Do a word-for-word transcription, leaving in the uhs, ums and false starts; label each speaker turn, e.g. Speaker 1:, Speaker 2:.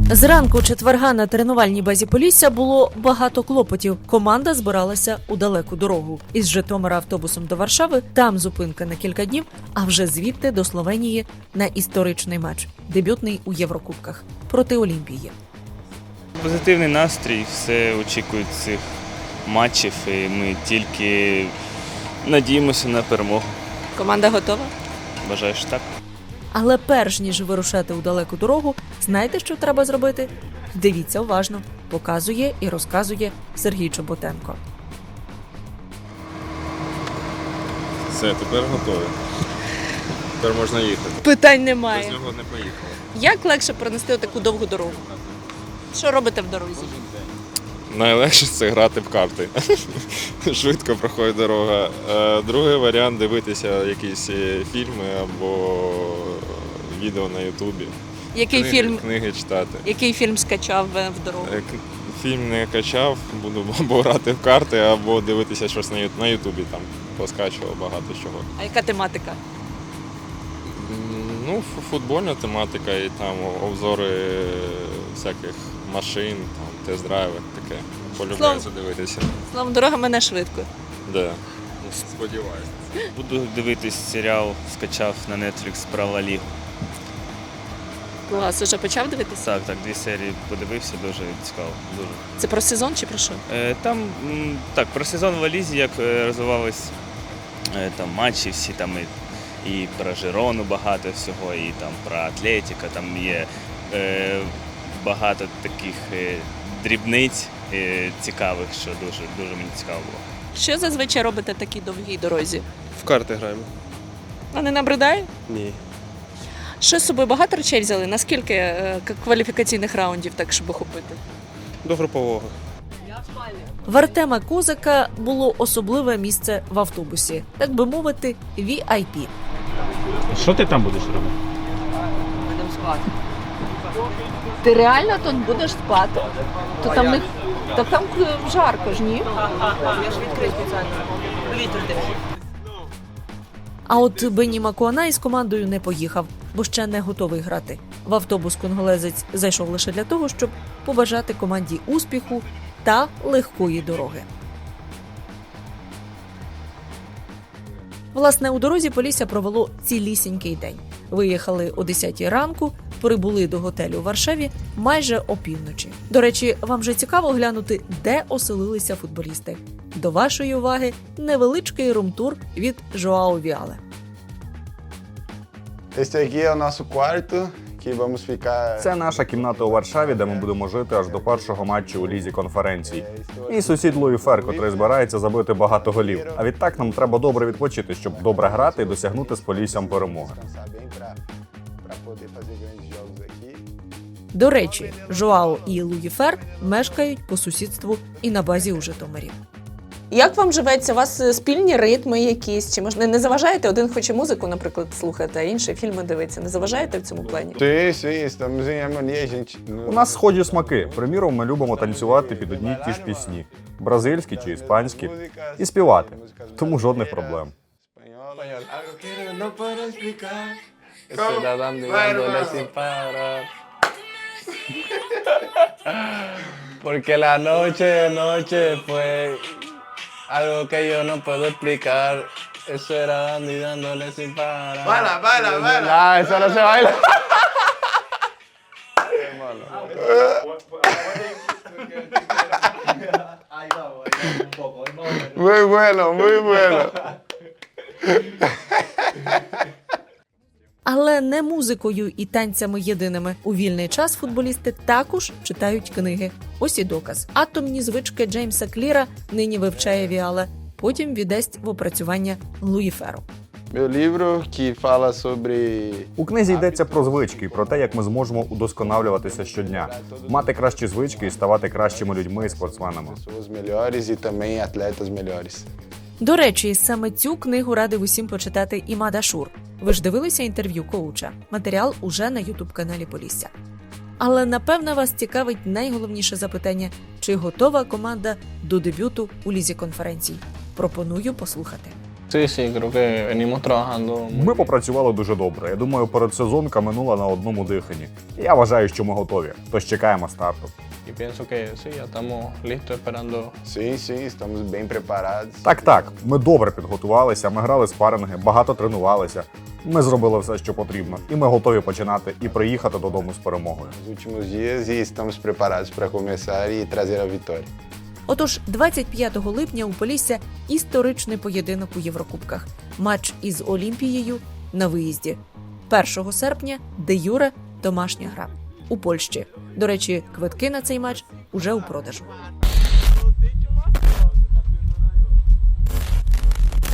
Speaker 1: Зранку четверга на тренувальній базі Полісся було багато клопотів. Команда збиралася у далеку дорогу. Із Житомира автобусом до Варшави, там зупинка на кілька днів, а вже звідти до Словенії на історичний матч. Дебютний у Єврокубках проти Олімпії.
Speaker 2: Позитивний настрій, все очікують цих матчів і ми тільки надіємося на перемогу.
Speaker 3: Команда готова?
Speaker 2: Бажаю, що так.
Speaker 1: Але перш ніж вирушати у далеку дорогу, знаєте, що треба зробити? Дивіться уважно. Показує і розказує Сергій Чоботенко.
Speaker 4: Все, тепер готові. Тепер можна їхати.
Speaker 3: Питань немає.
Speaker 4: Без нього не поїхали.
Speaker 3: Як легше пронести таку довгу дорогу? Що робите в дорозі?
Speaker 4: Найлегше це грати в карти. Швидко проходить дорога. Е, Другий варіант – дивитися якісь фільми або відео на Ютубі.
Speaker 3: Який
Speaker 4: Книги,
Speaker 3: фільм?
Speaker 4: Книги читати.
Speaker 3: Який фільм скачав е, в дорогу?
Speaker 4: Е, к- Фільм не качав, буду або грати в карти, або дивитися щось на Ю- на Ютубі, там поскачував багато чого.
Speaker 3: А яка тематика?
Speaker 4: М, Ну, ф- футбольна тематика і там обзори всяких машин, там, тест-драйви, таке. Полюбляю
Speaker 3: Словом-
Speaker 4: задивитися.
Speaker 3: Словом, дорога мене швидко.
Speaker 4: Да. Сподіваюся.
Speaker 2: Буду дивитись серіал, скачав на Netflix про Ла Лігу.
Speaker 3: Клас, уже почав дивитися?
Speaker 2: Так, так, дві серії подивився, дуже цікаво. Дуже.
Speaker 3: Це про сезон чи про що?
Speaker 2: Е, Там м, так, про сезон в Ла Лізі, як е, розвивались е, там матчі, всі там і, і про Жирону багато всього, і там про Атлетіка, там є е, багато таких е, дрібниць е, цікавих, що дуже, дуже мені цікаво було.
Speaker 3: Що зазвичай робите в такій довгій дорозі?
Speaker 5: В карти граємо.
Speaker 3: А не набридає?
Speaker 5: Ні.
Speaker 3: Що з собою багато речей взяли? Наскільки е, к- кваліфікаційних раундів, так щоб охопити?
Speaker 5: До групового.
Speaker 1: В Артема Козака було особливе місце в автобусі, так би мовити, ві ай пі.
Speaker 6: Що ти там будеш робити?
Speaker 3: Будемо спати. Ти реально тут будеш спати? То там не... Так там жарко ж, ні? Я ж відкрию спеціально. Вітер дивись.
Speaker 1: А от Бенні Макуанай з командою не поїхав, бо ще не готовий грати. В автобус конголезець зайшов лише для того, щоб побажати команді успіху та легкої дороги. Власне, у дорозі Полісся провело цілісінький день. Виїхали о десятій ранку, прибули до готелю у Варшаві майже опівночі. До речі, вам же цікаво глянути, де оселилися футболісти. До вашої уваги невеличкий рум-тур від Жоао Віале.
Speaker 7: Este aqui é o nosso quarto, que vamos ficar...
Speaker 8: Це наша кімната у Варшаві, де ми будемо жити аж до першого матчу у Лізі конференцій. Мій сусід Луї Фер, котрий збирається забити багато голів. А відтак нам треба добре відпочити, щоб добре грати і досягнути з Поліссям перемоги.
Speaker 7: Descansar bem pra, pra poder fazer grandes jogos aqui.
Speaker 1: До речі, Жоао і Луї Фер мешкають по сусідству і на базі у Житомирі.
Speaker 3: Як вам живеться? У вас е, спільні ритми якісь? Чи можна не заважаєте? Один хоче музику, наприклад, слухати, а інший фільми дивиться. Не заважаєте в цьому плані?
Speaker 7: Sim, sim, estamos em harmonia, gente.
Speaker 8: У нас схожі смаки. Приміром, ми любимо танцювати під одні й ті ж пісні. Бразильські чи іспанські. І співати. Тому жодних проблем.
Speaker 9: Porque la noche, noche fue algo que yo no puedo explicar. Eso era dando y dándole sin parar.
Speaker 7: Baila, baila, baila.
Speaker 9: Ah, eso no se baila.
Speaker 7: Muy bueno, muy bueno.
Speaker 1: Але не музикою і танцями єдиними. У вільний час футболісти також читають книги. Ось і доказ. Атомні звички Джеймса Кліра нині вивчає Віале, потім віддасть в опрацювання Луї Феру.
Speaker 7: Meu livro que fala sobre...
Speaker 8: У книзі йдеться про звички, про те, як ми зможемо удосконалюватися щодня, мати кращі звички і ставати кращими людьми і спортсменами.
Speaker 7: Pessoas melhores e também atletas melhores.
Speaker 1: До речі, саме цю книгу радив усім почитати Імад Ашур. Ви ж дивилися інтерв'ю коуча? Матеріал уже на ютуб-каналі Полісся. Але, напевно, вас цікавить найголовніше запитання – чи готова команда до дебюту у Лізі конференцій? Пропоную послухати.
Speaker 9: Sí, sí, creo que venimos trabajando muy
Speaker 8: Ми
Speaker 9: bien.
Speaker 8: попрацювали дуже добре. Я думаю, передсезонка минула на одному диханні. Я вважаю, що ми готові. Тож чекаємо старту.
Speaker 9: Y pienso que sí, ya estamos listos esperando.
Speaker 7: Sim, sim, estamos bem preparados.
Speaker 8: Так, так, ми добре підготувалися, ми грали спаринги, багато тренувалися. Ми зробили все, що потрібно, і ми готові починати і приїхати додому з перемогою.
Speaker 7: Nos últimos dias e estamos preparados para começar e trazer a vitória.
Speaker 1: Отож, двадцять п'ятого липня у Полісся історичний поєдинок у Єврокубках. Матч із Олімпією на виїзді. першого серпня де юре домашня гра у Польщі. До речі, квитки на цей матч уже у продажу.